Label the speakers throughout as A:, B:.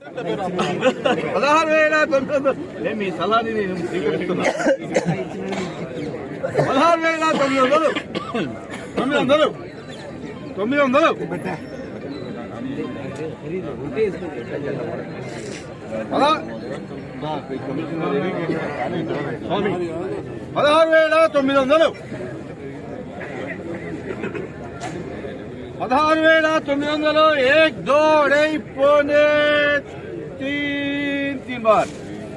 A: 16,900 మీ సలహాని నేను స్వీకరిస్తున్నా. 16,900 900 900 16,900 16,900 1 2 2.5 पौने 3 बार.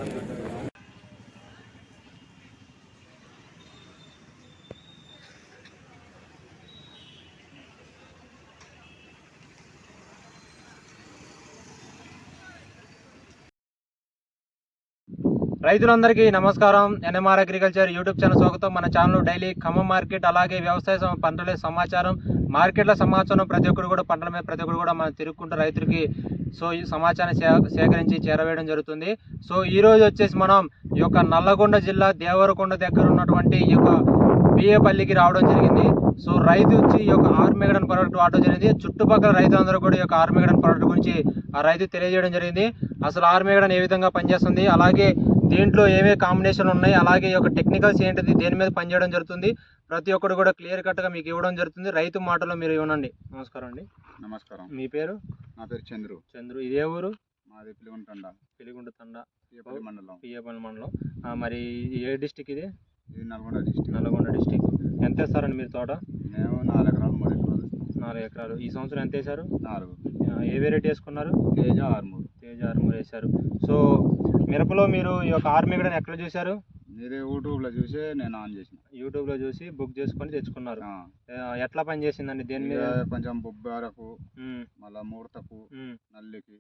B: రైతులందరికీ నమస్కారం. ఎన్ఎంఆర్ అగ్రికల్చర్ యూట్యూబ్ ఛానల్ స్వాగతం. మన ఛానల్ డైలీ ఖమ్మం మార్కెట్, అలాగే వ్యవసాయ పంటల సమాచారం, మార్కెట్ల సమాచారం, ప్రతి ఒక్కరు కూడా పంటల మీద ప్రతి ఒక్కరు కూడా మనం తిరుగుకుంటూ రైతులకి ఈ సమాచారాన్ని సేకరించి చేరవేయడం జరుగుతుంది. ఈ రోజు వచ్చేసి మనం ఈ యొక్క నల్లగొండ జిల్లా దేవరకొండ దగ్గర ఉన్నటువంటి ఈ యొక్క బియ్యపల్లికి రావడం జరిగింది. రైతు వచ్చి ఈ యొక్క ఆర్మేగడన్ ప్రోడక్ట్ వాడడం జరిగింది. చుట్టుపక్కల రైతులందరూ కూడా ఈ యొక్క ఆర్మేగడన్ ప్రోడక్ట్ గురించి ఆ రైతు తెలియజేయడం జరిగింది. అసలు ఆర్మేగడన్ ఏ విధంగా పనిచేస్తుంది, అలాగే దీంట్లో ఏమేమి కాంబినేషన్ ఉన్నాయి, అలాగే ఈ యొక్క టెక్నికల్స్ ఏంటిది, దేని మీద పనిచేయడం జరుగుతుంది, ప్రతి ఒక్కరు కూడా క్లియర్ కట్గా మీకు ఇవ్వడం జరుగుతుంది. రైతు మాటలో మీరు ఇవ్వనండి. నమస్కారం అండి.
A: నమస్కారం.
B: మీ పేరు?
A: నా పేరు చంద్రు.
B: చంద్రు. ఇదే ఊరు?
A: మాది పిలిగుంట తండ,
B: పియ్యపల్లి మండలం. మరి ఏ డిస్టిక్ ఇది?
A: ఇది నల్గొండ డిస్టిక్.
B: నల్గొండ డిస్టిక్. ఎంత వేస్తారండి మీరు తోట?
A: మేము 4 ఎకరాలు 3 ఎకరాలు.
B: 4 ఎకరాలు. ఈ సంవత్సరం ఎంత వేశారు?
A: 4.
B: ఏ వెరైటీ వేసుకున్నారు?
A: తేజ 63.
B: తేజ 63 వేశారు. మిరపలో మీరు ఈ యొక్క ఆర్మేగడన్ ఎక్కడ చూశారు?
A: మీరే యూట్యూబ్లో చూసి నేను ఆన్ చేసిన.
B: యూట్యూబ్లో చూసి బుక్ చేసుకొని తెచ్చుకున్నారు. ఎట్లా పని చేసిందండి? దేని మీద?
A: కొంచెం బొబ్బరకు, మళ్ళీ ముడతకు, నల్లికి,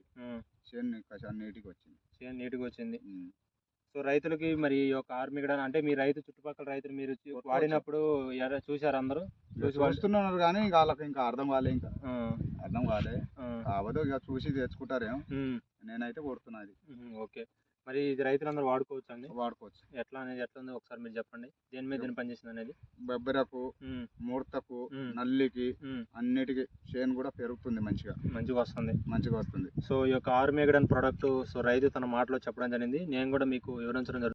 A: చేను నీటికి వచ్చింది.
B: చేను నీటికి వచ్చింది. రైతులకి మరి ఈ యొక్క ఆర్మేగడన్ అంటే మీ రైతు చుట్టుపక్కల రైతులు మీరు వాడినప్పుడు చూసారు అందరూ?
A: చూస్తున్నారు కానీ ఇంకా వాళ్ళకి ఇంకా అర్థం కాలే. ఇంకా అర్థం కాలే కాకపోతే ఇక చూసి తెచ్చుకుంటారేమో. నేనైతే కొడుతున్నది.
B: ఓకే. మరి ఇది రైతులందరూ వాడుకోవచ్చు అండి?
A: వాడుకోవచ్చు.
B: ఎట్లా అనేది ఎట్లా ఉంది ఒకసారి మీరు చెప్పండి. దేని మీద దేని పనిచేసింది అనేది?
A: బొబ్బరకు, ముడతకు, నల్లికి, అన్నిటికీ చేను కూడా పెరుగుతుంది. మంచిగా వస్తుంది. ఈ యొక్క ఆర్మేగడన్ ప్రోడక్ట్ రైతు తన మాటలో చెప్పడం జరిగింది. నేను కూడా మీకు వివరించడం జరుగుతుంది.